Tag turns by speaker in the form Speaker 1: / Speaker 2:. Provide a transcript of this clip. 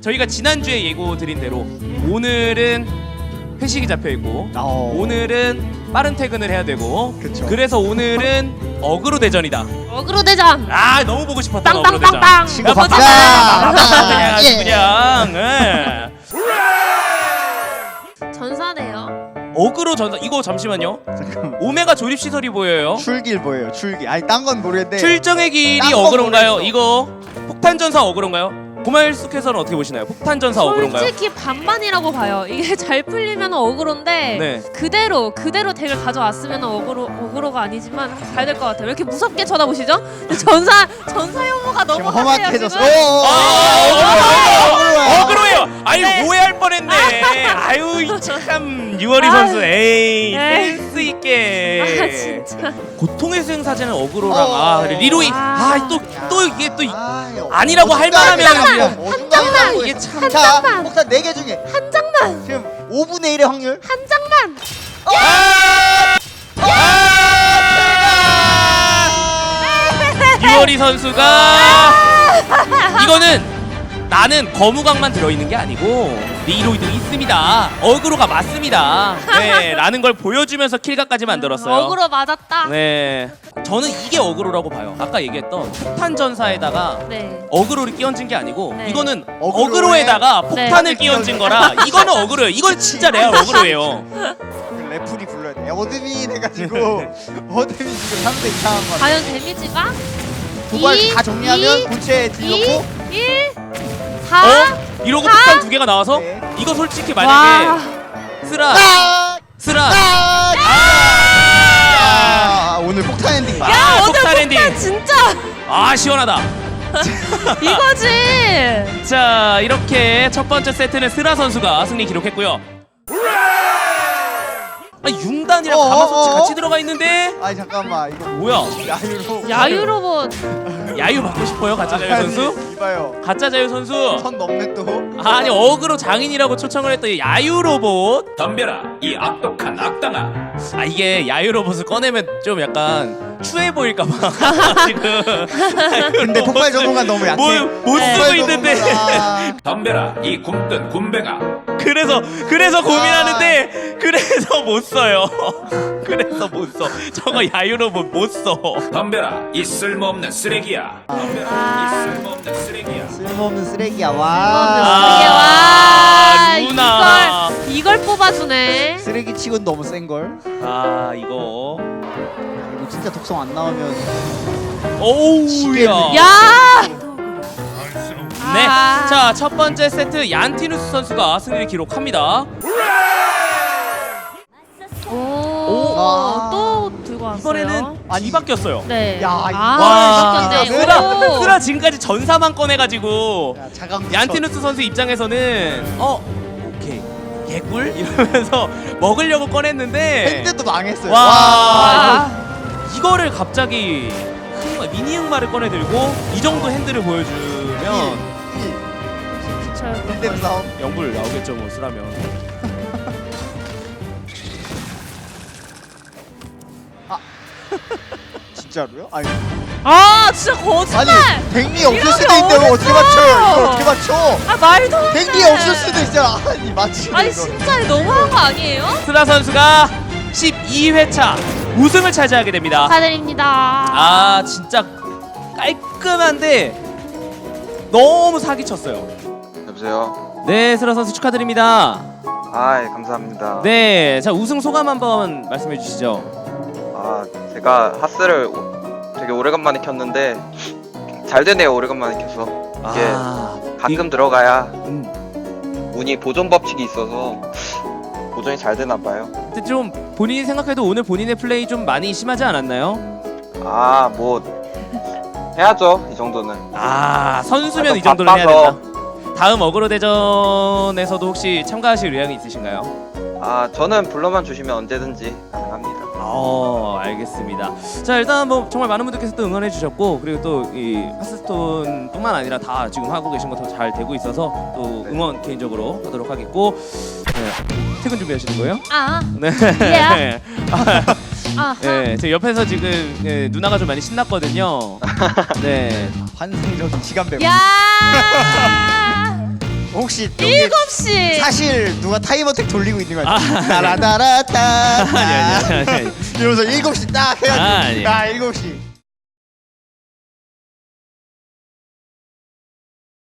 Speaker 1: 저희가 지난주에 예고 드린 대로 오늘은 회식이 잡혀있고 오늘은 빠른 퇴근을 해야 되고
Speaker 2: 그쵸.
Speaker 1: 그래서 오늘은 어그로 대전이다.
Speaker 3: 어그로 대전.
Speaker 1: 아 너무 보고 싶었다. 어그로 대전.
Speaker 3: 빵빵빵빵.
Speaker 2: 친구
Speaker 1: 몇 번째
Speaker 2: 바꾸자.
Speaker 1: 그냥 아주
Speaker 2: 예.
Speaker 1: 그냥 예.
Speaker 3: 전사네요.
Speaker 1: 어그로 전사 이거 잠시만요.
Speaker 2: 잠깐만.
Speaker 1: 오메가 조립 시설이 보여요.
Speaker 2: 출길 보여요. 출길. 아니 딴 건 모르겠는데.
Speaker 1: 출정의 길이
Speaker 2: 딴거
Speaker 1: 어그로인가요?
Speaker 2: 모르겠어.
Speaker 1: 이거 폭탄 전사 어그로인가요? 고말숙해서는 어떻게 보시나요? 폭탄 전사 어그로인가요?
Speaker 3: 솔직히 반반이라고 봐요. 이게 잘 풀리면 어그로인데
Speaker 1: 네.
Speaker 3: 그대로 덱을 가져왔으면 어그로가 아니지만 가야 될 것 같아요. 왜 이렇게 무섭게 쳐다보시죠? 전사 혐오가 너무
Speaker 2: 지금 험악해졌어.
Speaker 1: 어그로예요. 아유
Speaker 3: 네.
Speaker 1: 오해할 뻔했네. 아유 참 유월이 선수 에이
Speaker 3: 에이.
Speaker 1: 센스 있게.
Speaker 3: 진짜.
Speaker 1: 고통의 수행 사제는 어그로랑 그래, 리로이 또 이게 또 아니라고 할
Speaker 3: 장만!
Speaker 2: 이게
Speaker 3: 참.
Speaker 2: 자,
Speaker 3: 장만!
Speaker 2: 폭탄 4개 중에
Speaker 3: 한 장만.
Speaker 2: 지금 5분의 1의 확률.
Speaker 3: 한 장만.
Speaker 1: 유월이 선수가 이거는 나는 거무강만 들어있는 게 아니고 리로이도 있습니다. 어그로가 맞습니다. 네, 라는 걸 보여주면서 킬각까지 만들었어요.
Speaker 3: 어그로 맞았다.
Speaker 1: 네, 저는 이게 어그로라고 봐요. 아까 얘기했던 폭탄 전사에다가
Speaker 3: 네.
Speaker 1: 어그로를 끼얹은 게 아니고
Speaker 3: 네.
Speaker 1: 이거는
Speaker 2: 어그로에
Speaker 1: 어그로에다가 폭탄을
Speaker 2: 네.
Speaker 1: 끼얹은 거라 이거는 어그로예요. 이건 진짜 레알 어그로예요.
Speaker 2: 레플이 불러야 돼. 어드민 해가지고 어드민 지금 상대 이상한 거.
Speaker 3: 과연 데미지가
Speaker 2: 도발
Speaker 3: 이,
Speaker 2: 다 정리하면
Speaker 3: 이,
Speaker 2: 본체에
Speaker 3: 2,
Speaker 2: 들렸고
Speaker 3: 1, 4.
Speaker 1: 이러고
Speaker 3: 사?
Speaker 1: 폭탄 2개가 나와서
Speaker 2: 네.
Speaker 1: 이거 솔직히
Speaker 3: 와.
Speaker 1: 만약에 쓰라
Speaker 2: 오늘 폭탄 엔딩.
Speaker 3: 야, 오늘
Speaker 1: 폭탄 엔딩.
Speaker 3: 폭탄 진짜
Speaker 1: 시원하다.
Speaker 3: 이거지.
Speaker 1: 자 이렇게 첫 번째 세트는 스라 선수가 승리 기록했고요. 융단이랑 가마솥이 같이 들어가 있는데
Speaker 2: 아니 잠깐만 이거
Speaker 1: 뭐야?
Speaker 2: 야유로.
Speaker 3: 야유 로봇.
Speaker 1: 야유 받고 싶어요 가짜 자유 선수?
Speaker 2: 이봐요.
Speaker 1: 가짜 자유 선수?
Speaker 2: 선 넘네 또.
Speaker 1: 아니 어그로 장인이라고 초청을 했던 야유 로봇.
Speaker 4: 덤벼라 이 악독한 악당아.
Speaker 1: 이게 야유 로봇을 꺼내면 좀 약간 추해 보일까봐 지금.
Speaker 2: 근데 폭발 전문가 너무 약해.
Speaker 1: 못
Speaker 3: 네.
Speaker 1: 쓰고 있는데.
Speaker 4: 덤벼라 이 굶뜬 굼벵아.
Speaker 1: 그래서 고민하는데 그래서 못 써요. 그래서 못 써. 저거 야유 로봇 못 써.
Speaker 4: 덤벼라 이 쓸모없는 쓰레기야. 덤벼라 이 쓸모없는 쓰레기야.
Speaker 2: 쓸모없는 쓰레기야.
Speaker 3: 와.
Speaker 1: 와, 루나.
Speaker 3: 이걸 뽑아주네.
Speaker 2: 쓰레기 치곤 너무 센 걸.
Speaker 1: 이거.
Speaker 2: 이거 진짜 독성 안 나오면
Speaker 1: 오우야.
Speaker 3: 야.
Speaker 1: 네.
Speaker 3: 아.
Speaker 1: 자, 첫 번째 세트 얀티누스 선수가 승리를 기록합니다.
Speaker 2: 아.
Speaker 3: 또 들고 왔어요.
Speaker 1: 이번에는 뒤바뀌었어요.
Speaker 3: 네.
Speaker 2: 야,
Speaker 1: 와,
Speaker 3: 바뀌었네.
Speaker 1: 쓰라 지금까지 전사만 꺼내가지고
Speaker 2: 야, 자강.
Speaker 1: 얀티누스 선수 입장에서는 오케이 개꿀 이러면서 먹으려고 꺼냈는데
Speaker 2: 핸드도 망했어요.
Speaker 1: 와.
Speaker 3: 아.
Speaker 1: 이거를 갑자기 미니 흑마를 꺼내들고 이 정도 핸들을 보여주면
Speaker 2: 핸드 싸움.
Speaker 1: 영불 나오겠죠 뭐 쓰라면.
Speaker 2: 진짜로요? 아니
Speaker 3: 진짜 거짓말.
Speaker 2: 댕리 없을
Speaker 3: 이러면
Speaker 2: 수도 있는데 뭐 어떻게
Speaker 3: 어딨어?
Speaker 2: 맞춰요? 이걸 어떻게 맞춰?
Speaker 3: 말도 안 돼.
Speaker 2: 댕리 없을 수도 있잖아. 아니 맞지?
Speaker 3: 아니 진짜 너무한 거 아니에요?
Speaker 1: 쓰라 선수가 12회차 우승을 차지하게 됩니다.
Speaker 3: 축하드립니다.
Speaker 1: 진짜 깔끔한데 너무 사기쳤어요.
Speaker 5: 여보세요?
Speaker 1: 네, 쓰라 선수 축하드립니다.
Speaker 5: 예, 감사합니다.
Speaker 1: 네, 자 우승 소감 한번 말씀해 주시죠.
Speaker 5: 제가 하스를 되게 오래간만에 켰는데 잘 되네요, 오래간만에 켜서. 이게 가끔 들어가야 운이 보존 법칙이 있어서 보존이 잘 되나 봐요.
Speaker 1: 근데 좀 본인이 생각해도 오늘 본인의 플레이 좀 많이 심하지 않았나요?
Speaker 5: 뭐 해야죠, 이 정도는.
Speaker 1: 선수면 이 정도는 해야 된다. 다음 어그로 대전에서도 혹시 참가하실 의향이 있으신가요?
Speaker 5: 저는 불러만 주시면 언제든지 가능합니다.
Speaker 1: 알겠습니다. 자 일단 뭐 정말 많은 분들께서 또 응원해 주셨고 그리고 또 이 하스스톤뿐만 아니라 다 지금 하고 계신 거 더 잘 되고 있어서 또
Speaker 5: 네.
Speaker 1: 응원 개인적으로 하도록 하겠고 퇴근 준비하시는 거예요?
Speaker 3: 네.
Speaker 1: 네.
Speaker 3: 아하.
Speaker 1: 네, 제 옆에서 지금 누나가 좀 많이 신났거든요. 네.
Speaker 2: 환상적인 시간 배분.
Speaker 3: 야.
Speaker 2: 혹시 또
Speaker 3: 7시.
Speaker 2: 사실 누가 타임어택 돌리고 있는 거
Speaker 1: 아,
Speaker 2: 같아. 따라따라따
Speaker 1: 아니.
Speaker 2: 이러면서 7시 딱 해가지고
Speaker 1: 아니.
Speaker 2: 7시